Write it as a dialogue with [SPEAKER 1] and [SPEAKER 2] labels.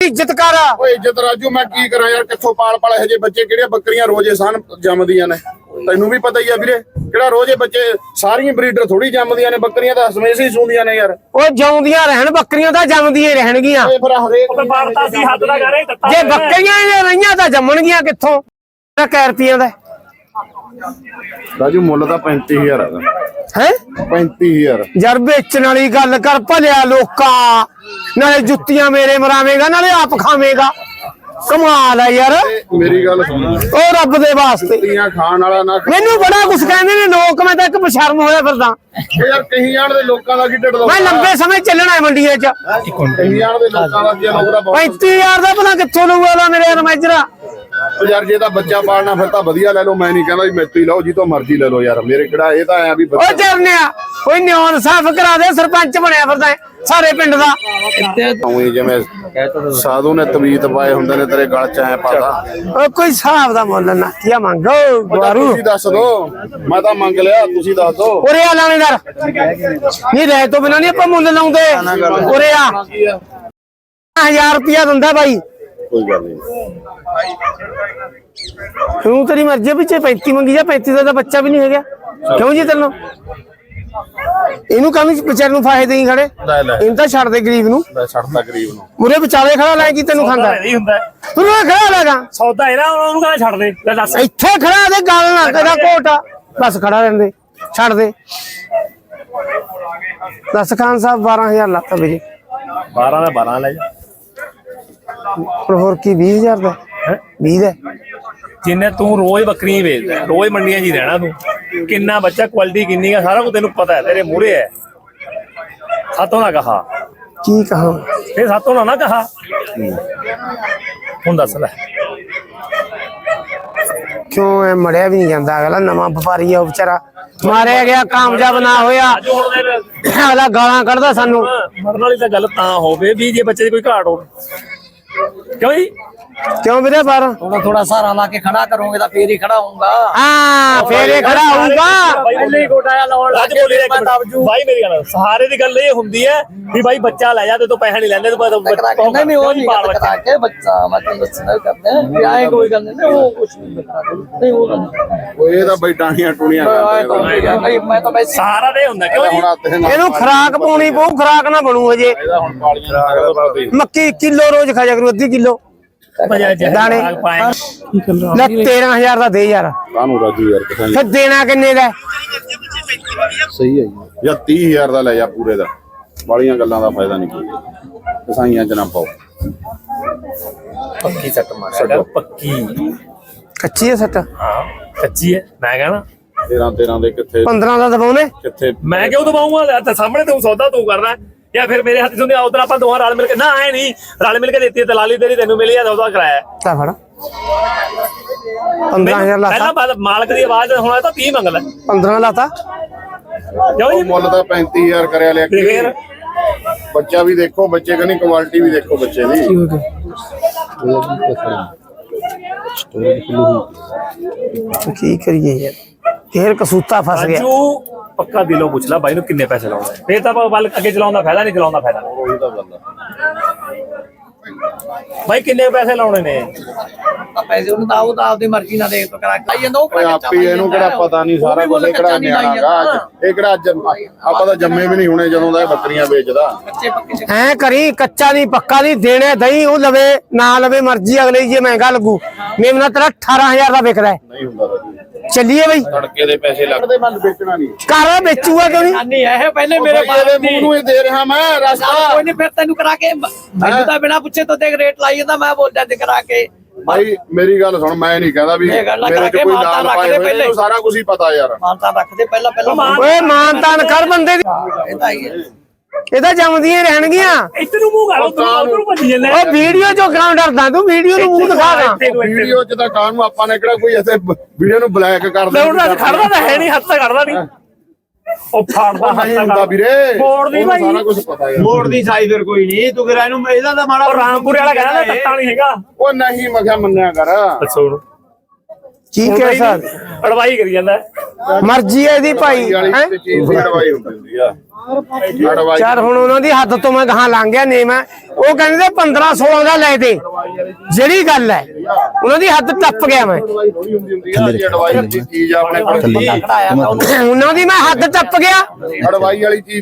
[SPEAKER 1] ਇੱਜ਼ਤ ਕਰ।
[SPEAKER 2] ਓਏ ਇੱਜ਼ਤ ਰਾਜੂ ਮੈਂ ਕੀ ਕਰਾਂ ਯਾਰ, ਕਿੱਥੋਂ ਪਾਲ ਇਹੋ ਜਿਹੇ ਬੱਚੇ, ਕਿਹੜੀਆਂ ਬੱਕਰੀਆਂ ਰੋਜ਼ੇ ਸਾਨ ਜੰਮਦੀਆਂ ਨੇ, ਤੈਨੂੰ ਵੀ ਪਤਾ ਹੀ ਆ ਵੀਰੇ। ਕਿਹੜਾ ਰੋਜ਼ੇ ਬੱਚੇ, ਸਾਰੀਆਂ ਬਰੀਡਰ ਥੋੜੀ ਜੰਮਦੀਆਂ ਨੇ, ਬੱਕਰੀਆਂ ਤਾਂ ਹਮੇਸ਼ਾ ਹੀ ਸੂੰਦੀਆਂ ਨੇ ਯਾਰ।
[SPEAKER 1] ਉਹ ਜਿਉਂਦੀਆਂ ਰਹਿਣ, ਬੱਕਰੀਆਂ ਤਾਂ ਜੰਮਦੀਆਂ ਹੀ ਰਹਿਣਗੀਆਂ।
[SPEAKER 2] ਫਿਰ ਹਰੇਕ
[SPEAKER 1] ਜੇ ਬੱਕਰੀਆਂ ਹੀ ਰਹੀਆਂ ਤਾਂ ਜੰਮਣਗੀਆਂ ਕਿੱਥੋਂ? ਕੈ ਰੁਪਈਆਂ ਦਾ
[SPEAKER 2] ਰਾਜੂ ਮੁੱਲ ਤਾਂ 35,000 ਹੈਗਾ।
[SPEAKER 1] ਹੈ
[SPEAKER 2] 35,000
[SPEAKER 1] ਯਾਰ ਵੇਚਣ ਵਾਲੀ ਗੱਲ ਕਰ, ਭਲਿਆ ਲੋਕਾਂ। ਨਾਲੇ ਜੁੱਤੀਆਂ ਮੇਰੇ ਮਰਾਵੇਂਗਾ, ਨਾਲੇ ਆਪ ਖਾਵੇਂਗਾ। ਕਮਾਲ ਹੈ ਯਾਰ।
[SPEAKER 2] ਮੇਰੀ ਗੱਲ ਸੁਣ,
[SPEAKER 1] ਉਹ ਰੱਬ ਦੇ ਵਾਸਤੇ
[SPEAKER 2] ਜੁੱਤੀਆਂ ਖਾਣ ਵਾਲਾ ਨਾ।
[SPEAKER 1] ਮੈਨੂੰ ਬੜਾ ਕੁਛ ਕਹਿੰਦੇ ਨੇ ਲੋਕ, ਮੈਂ ਤਾਂ ਇੱਕ ਬਸ਼ਰਮ ਹੋਇਆ ਫਿਰਦਾ।
[SPEAKER 2] ਯਾਰ ਕਹੀ ਜਾਣ ਦੇ ਲੋਕਾਂ ਦਾ ਕੀ ਢਿੱਡ ਦਾ,
[SPEAKER 1] ਮੈਂ ਲੰਬੇ ਸਮੇਂ ਚੱਲਣਾ ਹੈ ਮੰਡੀਆਂ 'ਚ।
[SPEAKER 2] ਕਹੀ ਜਾਣ ਦੇ ਲੋਕਾਂ ਦਾ ਕੀ ਲੋਕ ਦਾ
[SPEAKER 1] 35,000 ਦਾ ਪਤਾ ਕਿੱਥੋਂ ਲਊਗਾ ਮੇਰੇ ਰਮੈਜਰਾ।
[SPEAKER 2] ਯਾਰ ਜੇ ਤਾਂ ਬੱਚਾ ਪਾਲਣਾ ਫਿਰ ਤਾਂ ਵਧੀਆ ਲੈ ਲਓ, ਮੈਂ ਨਹੀਂ ਕਹਿੰਦਾ ਵੀ ਮੈਥੋਂ ਹੀ ਲਓ, ਜੀ ਤੋਂ ਮਰਜ਼ੀ ਲੈ ਲਓ ਯਾਰ। ਮੇਰੇ ਕਿਹੜਾ ਇਹ ਤਾਂ ਆਇਆ ਵੀ
[SPEAKER 1] ਉਹ ਚਰਨਿਆ ਕੋਈ ਨਿਉਣ ਸਾਫ ਕਰਾ ਦੇ, ਸਰਪੰਚ ਬਣਿਆ ਫਿਰਦਾ ਸਾਰੇ ਪਿੰਡ ਦਾ।
[SPEAKER 2] ਜਿਵੇਂ ਸਾਧੂ ਨੇ ਤਵੀਤ ਪਾਏ ਹੁੰਦੇ ਨੇ ਤੇਰੇ ਗਲ ਚ ਐ ਪਾਤਾ।
[SPEAKER 1] ਉਹ ਕੋਈ ਹਿਸਾਬ ਦਾ ਮੁੱਲ ਨਾ ਕੀ ਮੰਗੋ ਗਵਾਰੂ।
[SPEAKER 2] ਤੁਸੀਂ ਦੱਸ ਦੋ, ਮੈਂ ਤਾਂ ਮੰਗ ਲਿਆ, ਤੁਸੀਂ ਦੱਸ ਦੋ।
[SPEAKER 1] ਉਰੇ ਆ ਲਾਣੇਦਾਰ, ਨਹੀਂ ਰਹਿ ਤੋਂ ਬਿਨਾਂ ਨਹੀਂ ਆਪਾਂ ਮੁੱਲ ਲਾਉਂਦੇ। ਉਰੇ ਆ 1000 ਰੁਪਇਆ ਦਿੰਦਾ ਬਾਈ।
[SPEAKER 2] ਕੋਈ ਗੱਲ ਨਹੀਂ,
[SPEAKER 1] ਤੂੰ ਤੇਰੀ ਮਰਜ਼ੀ ਪਿੱਛੇ 35 ਮੰਗੀ ਜਾ, 35 ਦਾ ਤਾਂ ਬੱਚਾ ਵੀ ਨਹੀਂ ਹੈਗਾ। ਕਿਉਂ ਜੀ ਤੈਨੂੰ ਇਹਨੂੰ ਕਾਹਨੂੰ ਵਿਚਾਰੇ ਨੂੰ ਫਾਇਦੇ ਦੇਈ ਖੜੇ? ਇਹਨੂੰ ਤਾਂ ਛੱਡ ਦੇ ਗਰੀਬ ਨੂੰ।
[SPEAKER 2] ਛੱਡਦਾ ਗਰੀਬ ਨੂੰ,
[SPEAKER 1] ਮੁਰੇ ਵਿਚਾਲੇ ਖੜਾ ਲੈ ਕੀ ਤੈਨੂੰ ਖਾਂਦਾ
[SPEAKER 3] ਨਹੀਂ ਹੁੰਦਾ
[SPEAKER 1] ਤੂੰ ਖੜਾ ਲੈਗਾ
[SPEAKER 3] ਸੌਦਾ ਇਹਦਾ, ਉਹਨੂੰ ਕਹਿੰਦਾ ਛੱਡ ਦੇ। ਲੈ ਦੱਸ
[SPEAKER 1] ਇੱਥੇ ਖੜਾ ਦੇ, ਗੱਲ ਨਾ ਤੇਰਾ ਕੋਟਾ ਬਸ ਖੜਾ ਰਹਿੰਦੇ, ਛੱਡ ਦੇ। ਦੱਸ ਖਾਨ ਸਾਹਿਬ 12,000 ਲਾਤਾ ਵੀਰੇ।
[SPEAKER 3] 12 ਦਾ 12 ਲੈ ਜਾ।
[SPEAKER 1] ਪਰ ਹੋਰ ਕੀ 20,000 ਦਾ 20 ਦਾ
[SPEAKER 3] ਜਿੰਨੇ ਤੂੰ ਰੋਜ਼ ਬੱਕਰੀਆਂ ਵੇਚਦਾ, ਰੋਜ਼ ਮੰਡੀਆਂ 'ਚ ਹੀ ਰਹਿਣਾ ਤੂੰ। ਕਿੰਨਾ ਬੱਚਾ, ਕੁਆਲਿਟੀ ਕਿੰਨੀ ਆ, ਸਾਰਾ ਕੁਝ ਤੈਨੂੰ ਪਤਾ ਹੈ, ਤੇਰੇ ਮੂਹਰੇ ਹੈ। ਸਾਤੋਂ ਨਾ ਕਹਾ,
[SPEAKER 1] ਕੀ ਕਹਾਂ
[SPEAKER 3] ਇਹ ਸਾਤੋਂ ਨਾ ਕਹਾ। ਹੁਣ ਦੱਸ ਲੈ
[SPEAKER 1] ਕਿਉਂ ਐ ਮੜਿਆ ਵੀ ਨਹੀਂ ਜਾਂਦਾ? ਅਗਲਾ ਨਵਾਂ ਵਪਾਰੀ ਆ ਉਹ ਵਿਚਾਰਾ, ਮਾਰਿਆ ਗਿਆ, ਕਾਮਯਾਬ ਨਾ ਹੋਇਆ, ਅਗਲਾ ਗਾਲਾਂ ਕੱਢਦਾ ਸਾਨੂੰ।
[SPEAKER 3] ਮਰਨ ਵਾਲੀ ਤਾਂ ਗੱਲ ਤਾਂ ਹੋਵੇ ਵੀ ਜੇ ਬੱਚੇ ਦੀ ਕੋਈ ਘਾਟ ਹੋਵੇ। ਕਿਉਂ ਜੀ?
[SPEAKER 1] ਕਿਉਂ ਵੀਰੇ ਬਾਹਰ
[SPEAKER 4] थोड़ा सहारा ला के खड़ा करोगे तो फिर ही खड़ा होऊंगा।
[SPEAKER 1] ਹਾਂ ਫੇਰ ਇਹ ਖੜਾ ਹੋਊਗਾ।
[SPEAKER 4] पहले ही गोटाया लाउन
[SPEAKER 3] ਅੱਜ ਬੋਲੀ ਇੱਕ ਮਿੰਟ ਬਾਈ, ਮੇਰੀ ਗੱਲ ਸਹਾਰੇ ਦੀ ਗੱਲ ਇਹ ਹੁੰਦੀ ਹੈ ਵੀ ਬਾਈ ਬੱਚਾ ਲੈ ਜਾ ਤੇ ਤੂੰ ਪੈਸਾ ਨਹੀਂ ਲੈਂਦੇ, ਤੂੰ
[SPEAKER 4] नहीं वो नहीं करा के बच्चा मतलब बच्चा करते हैं भी आए कोई गल नहीं, वो कुछ नहीं करा नहीं वो गल
[SPEAKER 2] ਉਹ ਇਹ ਤਾਂ ਬਈ ਟਾਣੀਆਂ ਟੂਣੀਆਂ
[SPEAKER 4] भाई मैं तो भाई
[SPEAKER 3] ਸਹਾਰਾ ਦੇ ਹੁੰਦਾ। ਕਿਉਂ ਜੀ?
[SPEAKER 2] ਹੁਣ ਹੱਥ ਨਾਲ
[SPEAKER 1] ਇਹਨੂੰ ਖਰਾਕ ਪਾਉਣੀ ਪਊ, ਖਰਾਕ ਨਾ ਬਣੂ ਹਜੇ।
[SPEAKER 2] ਇਹਦਾ ਹੁਣ ਪਾਲੀਆਂ
[SPEAKER 1] ਮੱਕੀ ਕਿਲੋ ਰੋਜ਼ ਖਾ ਜਾ ਕਰੂ, ਅੱਧੀ ਕਿਲੋ ਦਾਣੇ। ਲੈ 13,000 ਦਾ ਦੇ ਯਾਰ।
[SPEAKER 2] ਕਾਹਨੂੰ ਰਾਜੂ ਯਾਰ, ਕਿਸਾਨ
[SPEAKER 1] ਫਿਰ ਦੇਣਾ ਕਿੰਨੇ ਦਾ?
[SPEAKER 2] ਸਹੀ ਹੈ ਜੀ। ਜਾਂ 30,000 ਦਾ ਲੈ ਜਾ ਪੂਰੇ ਦਾ, ਬਾਲੀਆਂ ਗੱਲਾਂ ਦਾ ਫਾਇਦਾ ਨਹੀਂ ਕੋਈ, ਕਸਾਈਆਂ ਚ ਨਾ ਪਾਓ।
[SPEAKER 3] ਪੱਕੀ ਸੱਟ ਮਾਰ, ਪੱਕੀ
[SPEAKER 1] ਕੱਚੀ ਹੈ ਸੱਟ?
[SPEAKER 3] ਹਾਂ ਕੱਚੀ ਹੈ। ਮੈਂ ਕਹਣਾ
[SPEAKER 2] 13 ਦੇ ਕਿੱਥੇ
[SPEAKER 1] 15 ਦਾ ਦਬਾਉਨੇ।
[SPEAKER 3] ਕਿੱਥੇ ਮੈਂ ਕਿਉਂ ਦਵਾਉਂਗਾ? ਤੇ ਸਾਹਮਣੇ ਤੂੰ ਸੌਦਾ ਤੂੰ ਕਰਨਾ, ਜਾਂ ਫਿਰ ਮੇਰੇ ਹੱਥ ਚੋਂ ਉਧਰ ਆਪਾਂ ਦੋਹਾਂ ਰਲ ਮਿਲ ਕੇ, ਨਾ ਐ ਨਹੀਂ ਰਲ ਮਿਲ ਕੇ ਦਿੱਤੀ ਦਲਾਲੀ ਤੇਰੀ, ਤੈਨੂੰ ਮਿਲੀ ਆ ਸੌਦਾ ਕਰਾਇਆ।
[SPEAKER 1] ਤਾਂ ਫੜ 15,000 ਲਾਤਾ।
[SPEAKER 3] ਪਹਿਲਾਂ ਮਾਲਕ ਦੀ ਆਵਾਜ਼ ਹੁਣ ਤਾਂ 30 ਮੰਗ ਲੈ।
[SPEAKER 1] 15 ਲਾਤਾ।
[SPEAKER 3] ਕਿਉਂ
[SPEAKER 2] ਉਹ
[SPEAKER 3] ਜੀ?
[SPEAKER 2] ਮੁੱਲ ਤਾਂ 35,000 ਕਰਿਆ ਲਿਆ।
[SPEAKER 3] ਤੇ ਫਿਰ
[SPEAKER 2] ਬੱਚਾ ਵੀ ਦੇਖੋ, ਬੱਚੇ ਕਹਿੰਦੀ ਕੁਆਲਿਟੀ ਵੀ ਦੇਖੋ ਬੱਚੇ ਦੀ।
[SPEAKER 1] ਕੀ ਕਰੀਏ ਯਾਰ, ਫੇਰ ਕਸੂਤਾ ਫਸ ਗਿਆ।
[SPEAKER 3] ਰਾਜੂ ਪੱਕਾ ਦਿਲੋਂ ਪੁੱਛ ਲੈ ਬਾਈ ਨੂੰ ਕਿੰਨੇ ਪੈਸੇ ਲਾਉਣੇ, ਫੇਰ ਤਾਂ ਵੱਲ ਅੱਗੇ ਚਲਾਉਣ ਦਾ ਫਾਇਦਾ ਨਹੀਂ, ਚਲਾਉਣ ਦਾ ਫਾਇਦਾ।
[SPEAKER 2] ਉਹੀ ਤਾਂ ਗੱਲ ਆ।
[SPEAKER 3] ਬਾਈ ਕਿੰਨੇ ਪੈਸੇ ਲਾਉਣੇ ਨੇ?
[SPEAKER 4] पैसे उन्हें दाऊ तो आपकी मर्जी ना दे तो करा के आई जांदा
[SPEAKER 2] ਓਏ ਆਪੀ ਇਹਨੂੰ ਕਿਹੜਾ ਪਤਾ ਨਹੀਂ ਸਾਰਾ ਕੁਝ, ਇਹ ਕਿਹੜਾ ਨਿਆਣਾਗਾ। ਇਹ ਕਿਹੜਾ ਆਪਾਂ ਤਾਂ ਜੰਮੇ ਵੀ ਨਹੀਂ ਹੋਣੇ ਜਦੋਂ ਦਾ ਇਹ ਬੱਕਰੀਆਂ ਵੇਚਦਾ।
[SPEAKER 4] बच्चे पक्के
[SPEAKER 1] ਐ ਕਰੀ, ਕੱਚਾ ਨਹੀਂ ਪੱਕਾ ਨਹੀਂ ਦੇਣੇ ਦਹੀਂ, ਉਹ ਲਵੇ ਨਾ ਲਵੇ ਮਰਜ਼ੀ ਅਗਲੇ, ਜੇ ਮਹਿੰਗਾ ਲੱਗੂ। ਮੇਮਨਾ ਤੇਰਾ 18,000 ਦਾ ਵਿਕਦਾ ਹੈ।
[SPEAKER 2] ਨਹੀਂ ਹੁੰਦਾ ਰਾਜੂ,
[SPEAKER 1] ਚੱਲੀਏ ਬਈ,
[SPEAKER 2] ਤੜਕੇ ਦੇ ਪੈਸੇ ਲੱਗਦੇ, ਮਨ ਵੇਚਣਾ ਨਹੀਂ।
[SPEAKER 1] ਘਰ ਵੇਚੂਗਾ ਕਿਉਂ ਨਹੀਂ?
[SPEAKER 4] नहीं है पहले मेरे
[SPEAKER 2] ਮੇਰੇ ਮੂੰਹ ਨੂੰ ਇਹ ਦੇ ਰਿਹਾ ਮੈਂ ਰਸਤਾ।
[SPEAKER 4] कोई नहीं फिर तेन करा के मैंने तो बिना पूछे तो देख रेट लाई जांदा, मैं बोल जाते करा के।
[SPEAKER 2] ਭਾਈ ਮੇਰੀ ਗੱਲ ਸੁਣ, ਮੈਂ ਨਹੀਂ ਕਹਿੰਦਾ ਵੀ
[SPEAKER 4] ਇਹ ਗੱਲਾਂ
[SPEAKER 2] ਮੇਰੇ
[SPEAKER 4] ਕਰਾ
[SPEAKER 2] ਚ
[SPEAKER 4] ਕੇ
[SPEAKER 2] ਕੋਈ
[SPEAKER 4] ਮਾਨਤਾ
[SPEAKER 2] ਲਾਲ
[SPEAKER 4] ਰੱਖ
[SPEAKER 2] ਪਾਏ
[SPEAKER 4] ਦੇ
[SPEAKER 2] ਹੋਏ,
[SPEAKER 4] ਪਹਿਲੇ।
[SPEAKER 2] ਇਹਨੂੰ ਸਾਰਾ ਕੁਝ ਹੀ ਪਤਾ ਯਾਰ।
[SPEAKER 4] मानता रख दे पहला
[SPEAKER 1] ਓਏ ਮਾਨ ਤਾਨ ਕਰ ਬੰਦੇ ਦੀ,
[SPEAKER 4] ਇਹਦਾ ਹੀ ਹੈ।
[SPEAKER 1] ਇਹ ਤਾਂ ਜੰਮਦੀਆਂ ਰਹਿਣਗੀਆਂ।
[SPEAKER 3] ਇੱਥੇ ਨੂੰ ਮੂੰਹ ਕਰ, ਉਧਰ ਭੱਜੀ ਜਾਂਦੇ।
[SPEAKER 1] ਉਹ ਵੀਡੀਓ ਚੋਂ ਕਿਉਂ ਡਰਦਾ ਤੂੰ? ਵੀਡੀਓ ਨੂੰ ਮੂੰਹ ਦਿਖਾਗਾ।
[SPEAKER 2] ਵੀਡੀਓ ਚ ਤਾਂ ਕਾਨ ਨੂੰ ਆਪਾਂ ਨੇ ਕਿਹੜਾ ਕੋਈ ਐਸੇ ਵੀਡੀਓ ਨੂੰ ਬਲੈਕ ਕਰ
[SPEAKER 3] ਦੌੜਦਾ ਖੜਦਾ ਤਾਂ ਹੈ ਨਹੀਂ, ਹੱਥ ਤਾਂ ਖੜਦਾ ਨਹੀਂ। ਉਹ ਫਾੜਦਾ
[SPEAKER 2] ਨਹੀਂ ਹੁੰਦਾ ਵੀਰੇ,
[SPEAKER 3] ਮੋੜ ਦੀ ਭਾਈ,
[SPEAKER 2] ਸਾਰਾ ਕੁਝ ਪਤਾ ਯਾਰ।
[SPEAKER 5] ਮੋੜ ਦੀ ਸਾਈ ਫਿਰ ਕੋਈ ਨਹੀਂ, ਤੂੰ ਫਿਰ ਇਹਨੂੰ ਇਹਦਾ ਤਾਂ ਮਾੜਾ
[SPEAKER 3] ਉਹ ਰਾਮਪੁਰੇ ਵਾਲਾ ਕਹਿੰਦਾ ਨਾ ਤੱਤਾ ਨਹੀਂ ਹੈਗਾ।
[SPEAKER 2] ਉਹ ਨਹੀਂ ਮੈਂ ਕਿਹਾ ਮੰਨਿਆ ਕਰ।
[SPEAKER 3] ਦੱਸੋ ਹੁਣ
[SPEAKER 1] ਕੀ ਕਹਿ ਸਕਦੇ?
[SPEAKER 3] ਅੜਵਾਈ ਕਰੀ ਜਾਂਦਾ।
[SPEAKER 1] ਮਰਜ਼ੀ ਹੈ ਇਹਦੀ ਭਾਈ।
[SPEAKER 2] ਵਾਲੀ ਤੇ ਚੀਜ਼ ਦੀ ਅੜਵਾਈ ਹੁੰਦੀ ਆ। ਅਡਵਾਈਸ
[SPEAKER 1] ਯਾਰ ਹੁਣ ਉਹਨਾਂ ਦੀ ਹੱਦ ਤੋਂ ਮੈਂ ਗਾਹਾਂ ਲੰਘ ਗਿਆ ਨੇਮ ਹੈ ਉਹ ਕਹਿੰਦੇ 15-16 ਦਾ ਲੈ ਦੇ ਜਿਹੜੀ ਗੱਲ ਹੈ ਉਹਨਾਂ ਦੀ ਹੱਦ ਟੱਪ ਗਿਆ ਮੈਂ
[SPEAKER 2] ਥੋੜੀ ਹੁੰਦੀ ਆ ਜੀ ਅਡਵਾਈਸ ਦੀ ਚੀਜ਼ ਆ ਆਪਣੇ ਕੋਲ
[SPEAKER 1] ਉਹਨਾਂ ਦੀ ਮੈਂ ਹੱਦ ਟੱਪ ਗਿਆ
[SPEAKER 2] ਅਡਵਾਈਸ ਵਾਲੀ ਚੀਜ਼